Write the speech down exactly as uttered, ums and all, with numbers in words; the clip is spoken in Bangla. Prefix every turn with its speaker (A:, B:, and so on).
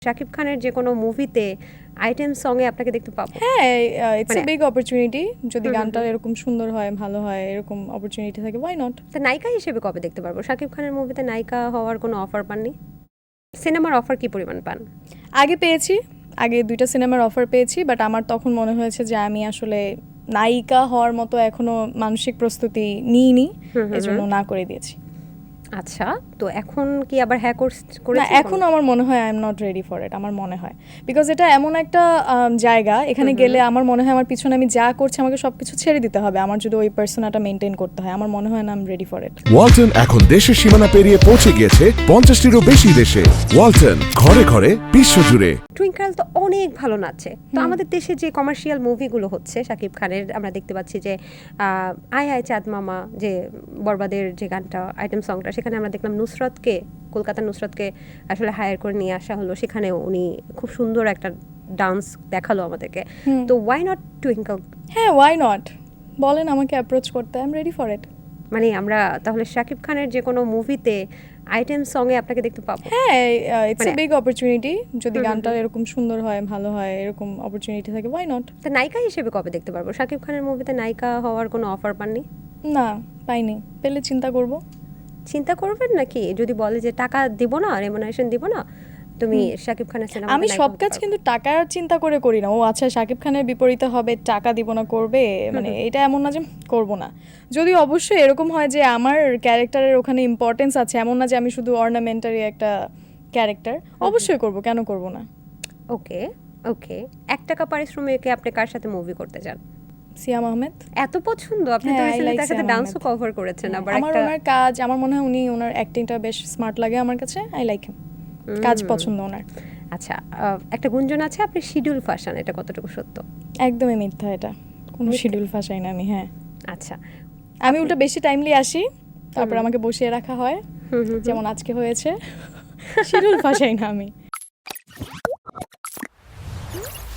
A: শাকিব খানের যে কোনো মুভিতে আইটেম সঙ্গে আপনাকে দেখতে পাবো?
B: হ্যাঁ, ইটস এ
A: মানে-
B: বিগ অপরচুনিটি। যদি
A: হুম, হুম,
B: গানটা
A: হুম।
B: এরকম সুন্দর হয়, ভালো হয়, এরকম অপরচুনিটি থাকে, ওয়াই নট?
A: তা নায়িকা হিসেবে কবে দেখতে পারবো? শাকিব খানের মুভিতে নায়িকা হওয়ার কোনো অফার পাননি? সিনেমার অফার কি পরিমাণ পান?
B: আগে পেয়েছি, আগে দুইটা সিনেমার অফার পেয়েছি, বাট আমার তখন মনে হয়েছে যে আমি আসলে নায়িকা হওয়ার মতো এখনো মানসিক প্রস্তুতি নিইনি,
A: হুম, হুম,
B: এজন্য
A: হুম।
B: না করে দিয়েছি।
A: আচ্ছা, তো এখন কি আবার হ্যাঁ
B: না,
A: করেছেন?
B: এখন আমার মনে হয় I am not ready for it. আমার মনে হয় বিকজ এটা এমন একটা আম, জায়গা, এখানে
A: হুম, হুম।
B: গেলে আমার মনে হয় আমার পিছনে আমি যা করছি আমাকে সবকিছু ছেড়ে দিতে হবে আমার যদি ওই পার্সোনাটা মেনটেন করতে হয়। আমার মনে হয় না I am ready for it.
C: Walton এখন দেশের সীমানা পেরিয়ে পৌঁছে গিয়েছে পঞ্চাশটিরও বেশি দেশে। ওয়ালটন, ঘরে ঘরে বিশ্বজুড়ে।
A: টুইঙ্কেল তো অনেক ভালো নাচে। তো আমাদের দেশে যে কমার্শিয়াল মুভিগুলো হচ্ছে শাকিব খানের, আমরা দেখতে পাচ্ছি যে আহ, আয় আয় চাঁদ মামা, যে বরবাদের যে গানটা আইটেম সংটা, সেখানে আমরা দেখলাম নুসরতকে, কলকাতার নুসরতকে আসলে হায়ার করে নিয়ে আসা হলো। সেখানেও উনি খুব সুন্দর একটা ডান্স দেখালো আমাদেরকে। তো ওয়াই নট টুইঙ্কেল?
B: হ্যাঁ, ওয়াই নট? বলেন আমাকে অ্যাপ্রোচ করতে, I am ready for it.
A: মানে আমরা তাহলে শাকিব খানের যে কোনো মুভিতে আইটেম সঙ্গে আপনাকে দেখতে পাবো?
B: হ্যাঁ, ইটস এ
A: মানে-
B: বিগ অপরচুনিটি। যদি
A: হুম, হুম,
B: গানটা
A: হুম।
B: এরকম সুন্দর হয়, ভালো হয়, এরকম অপরচুনিটি থাকে, ওয়াই নট?
A: তা নায়িকা হিসেবে কবে দেখতে পারবো? শাকিব খানের মুভিতে নায়িকা হওয়ার কোনো অফার পাননি?
B: না, পাইনি। পেলে চিন্তা করব।
A: চিন্তা করবেন নাকি? যদি বলে যে টাকা দিব না, রেমুনারেশন দিব না, তুমি শাকিব খানের সিনেমা
B: আমি সব কাজ কিন্তু টাকার চিন্তা করে করি না। ও আচ্ছা, শাকিব খানের বিপরীতে হবে, টাকা দিব না করবে, মানে এটা এমন না যে করব না। যদি অবশ্যই এরকম হয় যে আমার ক্যারেক্টারের ওখানে ইম্পর্টেন্স আছে, এমন না যে আমি শুধু অর্নামেন্টারি একটা ক্যারেক্টার, অবশ্যই করব, কেন করব না?
A: ওকে, ওকে। এক টাকা পারিশ্রমিকে আপনি কার সাথে মুভি করতে চান?
B: সিয়াম আহমেদ।
A: এত পছন্দ? আপনি তো
B: হ্যাঁ, I
A: রিসেন্টলি
B: like
A: তার সাথে
B: সিয়াম
A: ডান্সও
B: আহমেদ।
A: কভার করেছেন আবার
B: আমার
A: একটা।
B: ওনার কাজ, আমার মনে হয় উনি ওনার অ্যাক্টিংটা বেশ স্মার্ট লাগে আমার কাছে। I like him. কাজ পছন্দ ওনার।
A: আচ্ছা, আহ, একটা গুঞ্জন আছে আপনি শিডিউল ফাঁসান, এটা কতটুকু সত্য?
B: একদমই মিথ্যা এটা। কোনো শিডিউল ফাঁসাই না আমি। হ্যাঁ,
A: আচ্ছা।
B: আমি উল্টা বেশি টাইমলি আসি, তারপর আমাকে বসিয়ে রাখা হয়,
A: হুম হুম
B: যেমন আজকে হয়েছে। শিডিউল ফাঁসাই না আমি।